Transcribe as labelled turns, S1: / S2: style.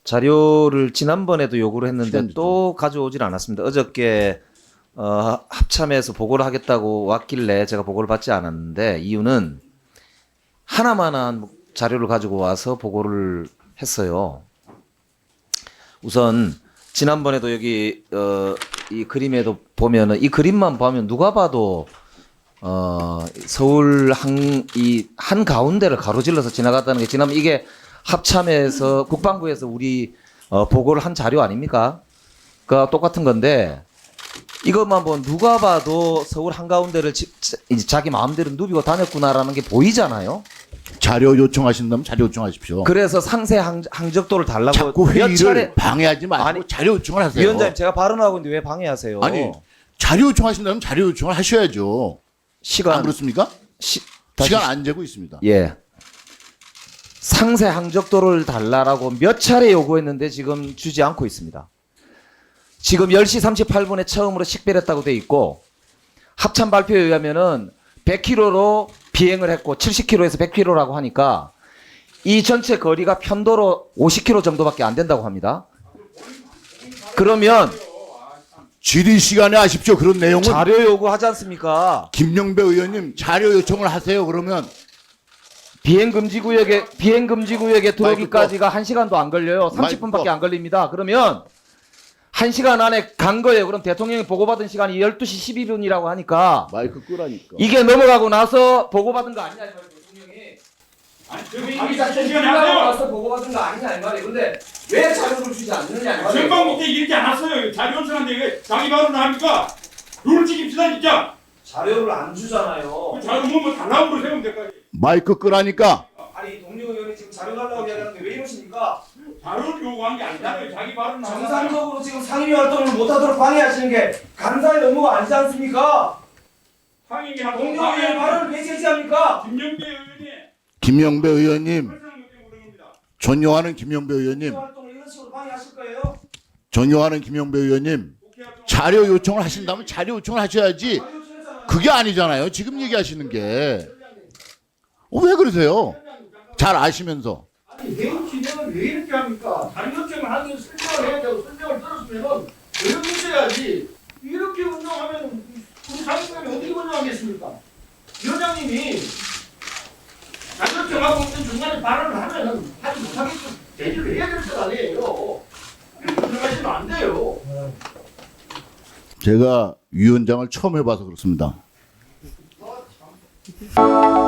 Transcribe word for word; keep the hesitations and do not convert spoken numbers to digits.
S1: 자료를 지난번에도 요구를 했는데 또 가져오질 않았습니다. 어저께 어, 합참에서 보고를 하겠다고 왔길래 제가 보고를 받지 않았는데 이유는 하나만한 자료를 가지고 와서 보고를 했어요. 우선 지난번에도 여기 어, 이 그림에도 보면은 이 그림만 보면 누가 봐도 어, 서울 한 이 한 가운데를 가로질러서 지나갔다는 게 지난번 이게 합참에서 국방부에서 우리 어, 보고를 한 자료 아닙니까? 그 똑같은 건데 이것만 보면 누가 봐도 서울 한가운데를 지, 이제 자기 마음대로 누비고 다녔구나라는 게 보이잖아요.
S2: 자료 요청하신다면 자료 요청하십시오.
S1: 그래서 상세 항, 항적도를 달라고
S2: 자꾸
S1: 몇
S2: 회의를
S1: 차례
S2: 방해하지 말고
S1: 아니,
S2: 자료 요청을 하세요.
S1: 위원장님 제가 발언하고 있는데 왜 방해하세요?
S2: 아니 자료 요청하신다면 자료 요청을 하셔야죠.
S1: 시간
S2: 안 그렇습니까?
S1: 시,
S2: 시간 안 재고 있습니다.
S1: 예. 상세 항적도를 달라라고 몇 차례 요구했는데 지금 주지 않고 있습니다. 지금 열 시 삼십팔 분에 처음으로 식별했다고 돼 있고 합참 발표에 의하면은 백 킬로미터로 비행을 했고 칠십 킬로미터에서 백 킬로미터라고 하니까 이 전체 거리가 편도로 오십 킬로미터 정도밖에 안 된다고 합니다. 그러면
S2: 질의 시간에 하십시오. 그런 내용은
S1: 자료 요구하지 않습니까?
S2: 김영배 의원님 자료 요청을 하세요. 그러면
S1: 비행 금지 구역에 비행 금지 구역에 들어오기까지가 한 시간도 안 걸려요. 삼십 분밖에 안 걸립니다. 그러면 한 시간 안에 간 거예요. 그럼 대통령이 보고받은 시간이 열두 시 십이 분이라고 하니까
S2: 마이크 끄라니까.
S1: 이게 넘어가고 나서 보고받은 거 아니냐 이 말이에요. 대통령이.
S3: 아니
S1: 그럼
S3: 자기
S1: 이미 다
S3: 시간이
S1: 지나가고
S3: 하세요.
S1: 나서 보고받은 거 아니냐 이 말이에요. 근데 왜 자료를 주지 않느냐 이 말이에요.
S3: 전방 못해 이렇게 안 왔어요. 자료 요청한데 이게 자기 발언을 합니까? 룰 지킵시다 진짜.
S1: 자료를 안 주잖아요.
S3: 그 자료 뭐 달라고 그러세요 될까지.
S2: 마이크 끄라니까.
S1: 아니 동료 의원이 지금 자료 달라고 이야기하는데 왜 이러십니까?
S3: 자료를 요구한 게 아니잖아요. 자기 발언을 하잖아요.
S1: 정상적으로 지금 상임위 활동을 못하도록 방해하시는 게 간사의 업무가 아니지 않습니까?
S3: 상임위 하고
S1: 동료 의원 발언을 왜 제지합니까?
S3: 김영배 의원이
S2: 김영배 의원님,
S3: 설상 못해 그런 겁니다.
S2: 존경하는 김영배 의원님,
S1: 활동을 이런 식으로 방해하실 거예요?
S2: 존경하는 김영배 의원님, 자료 요청을 하신다면 자료 요청을 하셔야지. 그게 아니잖아요. 지금 얘기하시는 게. 어, 왜 그러세요? 잘 아시면서.
S4: 아니 회의 진행을 왜 이렇게 합니까? 자료 요청을 하는 설명을 해야 되고 설명을 들었으면 의견 있어야지. 이렇게 운영하면 우리 상임위원이 어떻게 운영하겠습니까? 위원장님이 자료 요청하고 있는 중간에 발언을 하면 하지 못하게끔 제지를 해야 될 것 아니에요. 이렇게 운영하시면 안 돼요.
S2: 제가 위원장을 처음 해봐서 그렇습니다.